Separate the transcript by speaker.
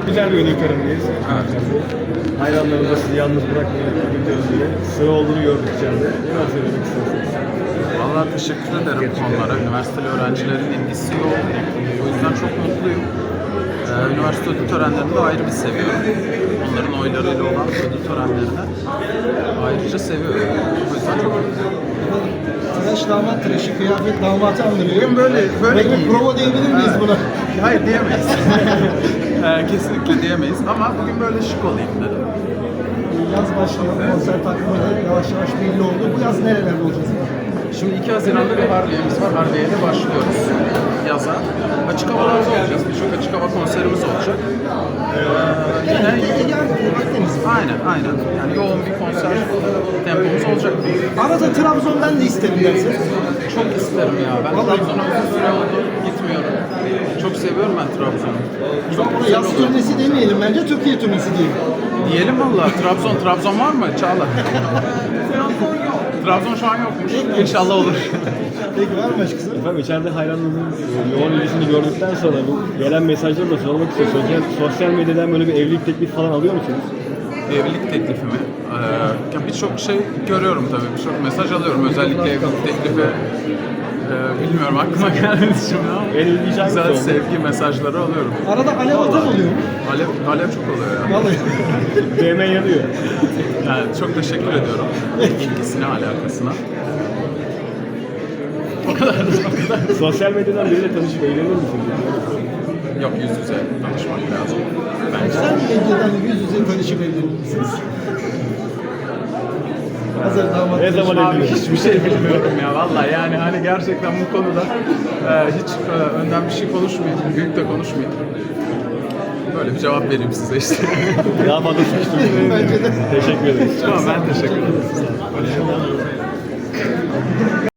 Speaker 1: Güzel bir ödül törenindeyiz. Hayranlarımız da sizi yalnız bırakmayın ödül töreninde. Sıra olduğunu gördük içeride. Neler söylemek istersiniz?
Speaker 2: Vallahi teşekkür ederim onlara. Üniversiteli öğrencilerin ilgisi yoğun. O yüzden çok mutluyum. Üniversite ödül törenlerini de ayrı bir seviyorum. Onların oylarıyla olan ödül törenlerini ayrıca seviyorum. O yüzden çok mutluyum.
Speaker 3: Tıraş damat tıraşı, kıyafet damatı andırıyor.
Speaker 2: Bugün böyle
Speaker 3: Böyle bir
Speaker 2: giyindim.
Speaker 3: prova diyebilir miyiz buna?
Speaker 2: Hayır diyemeyiz. Kesinlikle diyemeyiz ama bugün böyle şık olayım dedim.
Speaker 3: Yaz başlıyor, konser takvimi de yavaş yavaş belli oldu. Bu yaz nerelerde olacağız?
Speaker 2: Şimdi 2 Haziran'da bir Harbiye'miz var. Harbiye'de başlıyoruz yaza. Açık havalarda olacağız. Birçok açık hava konserimiz olacak. Yine
Speaker 3: Akdeniz.
Speaker 2: aynen. Yani yoğun bir konser tempomuz olacak.
Speaker 3: Arada Trabzon'dan da isterim dersin.
Speaker 2: Çok isterim ya. Ben Trabzon'a uzun süre oldu. Gitmiyorum. Çok seviyorum ben Trabzon'u. Çok
Speaker 3: Buna
Speaker 2: güzel
Speaker 3: yaz
Speaker 2: olur.
Speaker 3: turnesi demeyelim bence, Türkiye turnesi diyelim.
Speaker 2: Diyelim valla. Trabzon var mı? Çağla. Trabzon şu an yokmuş. İnşallah olur.
Speaker 3: Peki var mı başkası?
Speaker 1: Efendim içeride hayranlarınızın yoğun ilgisini gördükten sonra bu gelen mesajları da sormak istiyorum. Sosyal medyadan böyle bir evlilik teklifi falan alıyor musunuz?
Speaker 2: Evlilik teklifi mi? Ya birçok şey görüyorum tabii. Birçok mesaj alıyorum. Özellikle evlilik teklifi bilmiyorum aklıma gelmedi şimdi ama
Speaker 1: En ilginç hangisi
Speaker 2: güzel
Speaker 1: oldu?
Speaker 2: sevgi mesajları alıyorum.
Speaker 3: Arada alev atan oluyor mu?
Speaker 2: Alev çok oluyor ya.
Speaker 3: Vallahi.
Speaker 1: DM yanıyor.
Speaker 2: Yani çok teşekkür ediyorum ilgisine, alakasına. O kadar.
Speaker 1: Sosyal medyadan biriyle tanışıp eğlenir misiniz?
Speaker 2: Yok, yüz yüze tanışmak lazım. Bence.
Speaker 3: Sen medyadan yüz yüze tanışıp evlenir misiniz? Hazır damat.
Speaker 1: Ne zaman
Speaker 2: Abi
Speaker 1: evlenir?
Speaker 2: hiçbir şey bilmiyorum ya vallahi, yani hani gerçekten bu konuda hiç önden bir şey konuşmayayım, büyük de konuşmayayım. Böyle bir cevap vereyim size işte.
Speaker 1: Daha fazla sıkıştırmayın.
Speaker 3: Bence de.
Speaker 1: Teşekkür ederiz.
Speaker 2: Tamam, ben teşekkür ederim.